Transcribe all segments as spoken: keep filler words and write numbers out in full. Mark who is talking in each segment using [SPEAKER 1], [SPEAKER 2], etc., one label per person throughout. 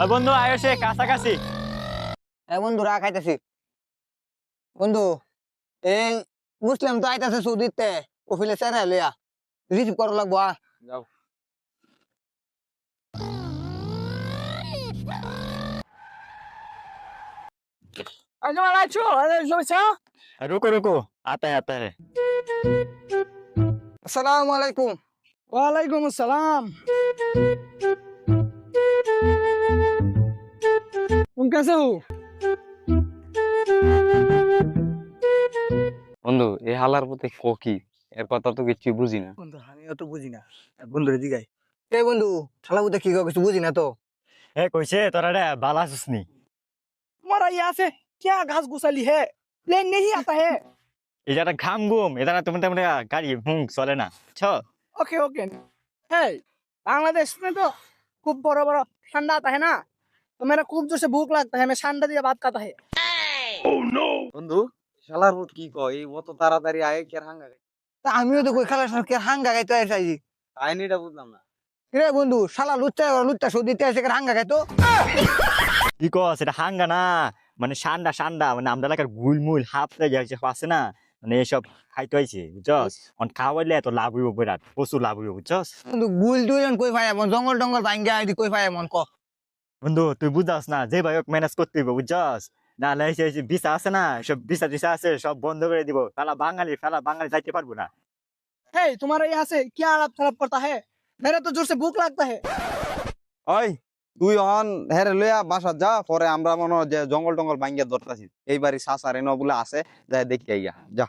[SPEAKER 1] বন্ধু আয়সে কাছাকাছি।
[SPEAKER 2] এ বন্ধু রা খাইতেছি বন্ধু। এই মুসলিম তো আইতাছে সৌদিতে ওফিলে চেরা লইয়া রিসিভ করা লাগবো। আ
[SPEAKER 1] যাও। रुको रुको आता है आता है।
[SPEAKER 2] আসসালামু আলাইকুম।
[SPEAKER 3] ওয়ালাইকুম আসসালাম। तुम कैसे हो?
[SPEAKER 4] বন্ধু এই হালার প্রতি ফকি এর কথা তো কিছু বুঝি না।
[SPEAKER 3] বন্ধু আমিও তো বুঝি না, বন্ধুরে জিগাই।
[SPEAKER 2] এ বন্ধু শালা বুঝতে কি কিছু বুঝি না তো।
[SPEAKER 1] ए কইছে তোরা রে বালা সুসনি।
[SPEAKER 3] तुम्हारा यहाँ से क्या घास घुसाली है? प्लेन नहीं आता है।
[SPEAKER 1] এটা ঘাম ঘুম এটা তুমি তেমন গাড়ি হুম চলে না ছ।
[SPEAKER 3] Okay okay. है बांग्लादेश में तो खूब बड़ा बड़ा ठंडा आता है ना, तो मेरा खूब जोर से भूख लगता है, मैं ठंडा दिया बात करता है।
[SPEAKER 4] বন্ধু শালার প্রতি কি কয় এই অত তাড়াতাড়ি আয় কে হাঙ্গা গায়?
[SPEAKER 2] তা আমিও তো কই খালা সরকে হাঙ্গা গাইতে আইছি।
[SPEAKER 4] কাহিনীটা বুঝলাম না।
[SPEAKER 2] রে বন্ধু শালা লুচ্চা লুচ্চা সৌদিতে এসে হাঙ্গা গাইতো।
[SPEAKER 1] কি কস এটা হাঙ্গা না, মানে সান্ডা সান্ডা, মানে আমরা এলাকার গুলমুল হাফতে যাচ্ছে আছে না, মানে এসব খাইতে হয়েছে বুঝছস। অন খাওয়াইলে এত লাভ হইব, বিরাট প্রচুর লাভ হইব বুঝছস।
[SPEAKER 2] বন্ধু গুল দুইজন কই পায় এমন জঙ্গল টঙ্গল ভাঙ্গা আইদি কই পায় এমন ক।
[SPEAKER 1] বন্ধু তুই বুঝাস না, যে ভাই ম্যানেজ করতে হইব বুঝছস। না লাইছে ভিসা আছে না, সব ভিসা টিসা আছে সব বন্ধ করে দিব। ফেলা বাঙালি ফেলা বাঙালি যাইতে পারবো না।
[SPEAKER 3] है तुम्हारे यहाँ से क्या आलाप खराब करता है? मेरा तो जोर से भूख लगता है।
[SPEAKER 4] ওই তুই অন হেরে লইয়া বাসা যা, পরে আমরা মনে হয় যে জঙ্গল টঙ্গল ভাঙ্গিয়া ধরতাছি। এইবারই সাসার এনে বলে আছে, যাই দেখি আইয়া যা।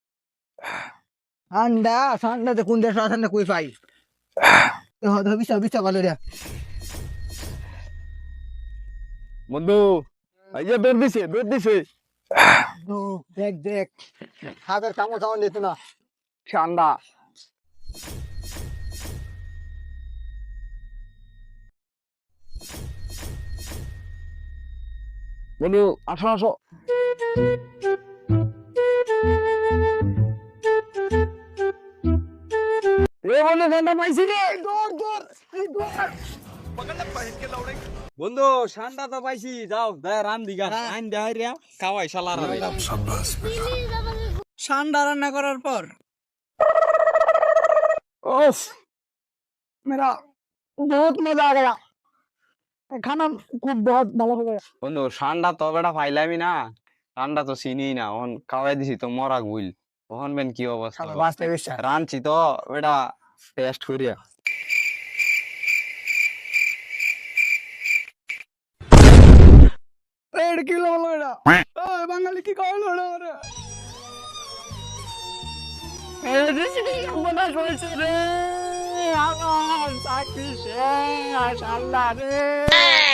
[SPEAKER 2] ঠান্ডা ঠান্ডাতে কোন দেশ ঠান্ডা কই পাই। এ হদ বিছা বিছা ভালো রে
[SPEAKER 4] বন্ধু এই যে বের দিছে বের দিছে।
[SPEAKER 2] ও দেখ দেখ হাতের কামড় কামড় দিত না।
[SPEAKER 4] ঠান্ডা বন্ধু আসো আসো।
[SPEAKER 3] ए बोले ठंडा पाइसी रे, दूर दूर दूर।
[SPEAKER 4] বন্ধু ঠান্ডা তো পাইছি, যাও দে রান দিগা আইন দে হাইরিয়া খাওয়াই শালার রে।
[SPEAKER 3] ঠান্ডা রান্না করার পর ओफ मेरा बहुत मजा आ गया, खाना खूब बहुत ভালো हो गया।
[SPEAKER 4] বন্ধু ঠান্ডা তো বেটা পাইলামই না, ঠান্ডা তো চিনি না, ওহন খাওয়াই দিছি তো মরা গুইল, ওহন বেন কি অবস্থা।
[SPEAKER 2] শালা বাঁচতে বিশ্বাস
[SPEAKER 4] রানছি তো বেটা টেস্ট করিয়া।
[SPEAKER 3] डेढ़ किलो लोड़ा ओए बंगाली की कौन लोड़ा रे? मेरे देश की बना सोच रे, आवाज साकी से माशाल्लाह रे।